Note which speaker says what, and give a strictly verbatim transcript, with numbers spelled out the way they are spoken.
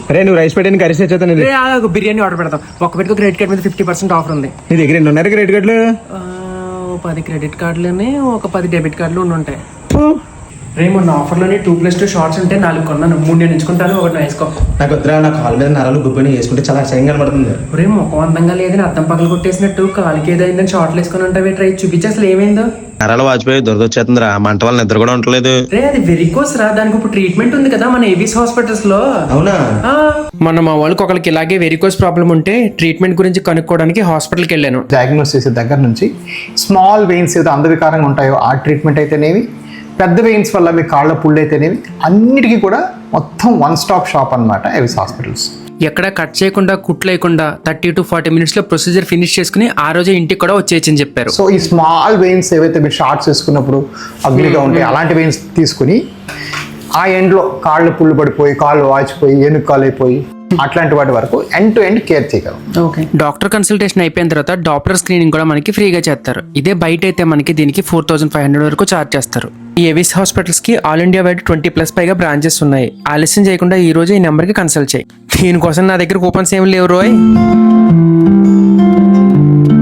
Speaker 1: రే నువ్వు రైస్ పెట్టని కర్రీస్ తెచ్చేస్తాను. ఇది
Speaker 2: రే, ఆగు, బిర్యానీ ఆర్డర్ పెడతాం. ఒక పెట్టుకో క్రెడిట్ కార్డ్ మీద ఫిఫ్టీ పర్సెంట్ ఆఫర్ ఉంది.
Speaker 1: నీ దగ్గర ఎన్ని ఉన్నారు క్రెడిట్ కార్డులు?
Speaker 2: ఆ, ఓ పది క్రెడిట్ కార్డులని ఒక పది డెబిట్ కార్డులు ఉండి ఉంటాయి. రే, మొన్న ఆఫర్లోని టూ ప్లస్ టూ షార్ట్స్ ఉంటే నాలుగు కొన్నాను. మూడు నేను ఎంచుకుంటాను, ఒకటి నువ్వు వేసుకో.
Speaker 1: నాకు వద్దురా, నా కాలు మీద నరాలు గుబ్బని వేసుకుంటే చాలా అసహ్యంగా కనబడుతుంది.
Speaker 2: రే, ముఖం అందంగా లేదని అద్దం పగలు కొట్టేసినట్టు కాలికి ఏదైందని షార్ట్లు వేసుకుని ఉంటావే. ట్రై చూపించి అసలు ఏమైందో.
Speaker 3: నరాలు వాచిపోయి దొరదొచ్చేస్తుందిరా, మంట వల్ల నిద్ర కూడా ఉండలేదు.
Speaker 2: రే, అది వెరికోస్ రా, దానికి ఇప్పుడు ట్రీట్మెంట్ ఉంది కదా మన ఏబీస్ హాస్పిటల్స్ లో.
Speaker 1: అవునా?
Speaker 2: మన మా వాళ్ళకి ఒకరికి ఇలాగే వెరికోస్ ప్రాబ్లం ఉంటే ట్రీట్మెంట్ గురించి కనుక్కోవడానికి హాస్పిటల్కి వెళ్ళాను.
Speaker 4: డయాగ్నోస్ చేసే దగ్గర నుంచి స్మాల్ వెయిన్స్ ఏదో అందవికారంగా ఉంటాయో ఆ ట్రీట్మెంట్ అయితేనేవి, పెద్ద వెయిన్స్ వల్ల మీ కాళ్ళ పుళ్ళు అయితేనేవి, అన్నిటికీ కూడా మొత్తం వన్ స్టాప్ షాప్ అనమాట ఏవిస్ హాస్పిటల్స్.
Speaker 2: ఎక్కడ కట్ చేయకుండా కుట్లేయకుండా థర్టీ టు ఫార్టీ మినిట్స్ లో ప్రొసీజర్ ఫినిష్ చేసుకుని ఆ రోజే ఇంటికి కూడా వచ్చేయచ్చని చెప్పారు.
Speaker 4: సో ఈ స్మాల్ వెయిన్స్ ఏవైతే మీరు షార్ట్స్ వేసుకున్నప్పుడు అగ్లీగా ఉంటాయి అలాంటి వెయిన్స్ తీసుకుని ఆ ఎండ్లో కాళ్ళు పుళ్ళు పడిపోయి కాళ్ళు వాచిపోయి ఏనుగు కాలు అయిపోయి అట్లాంటి వాటి వరకు ఎండ్ టు ఎండ్ కేర్ చేయగలం.
Speaker 2: ఓకే, డాక్టర్ కన్సల్టేషన్ అయిపోయిన తర్వాత డాక్టర్ స్క్రీనింగ్ కూడా మనకి ఫ్రీగా చేస్తారు. ఇదే బయట అయితే మనకి దీనికి ఫోర్ థౌసండ్ ఫైవ్ హండ్రెడ్ వరకు ఛార్జ్ చేస్తారు. ఈ ఏవిస్ హాస్పిటల్స్ కి all India wide twenty plus పైగా బ్రాంచెస్ ఉన్నాయి. ఆలస్యం చేయకుండా ఈ రోజు ఈ నెంబర్ కి కన్సల్ట్ చేయి. దీనికోసం నా దగ్గర కూపన్స్ ఏమి లేవు రోయ్.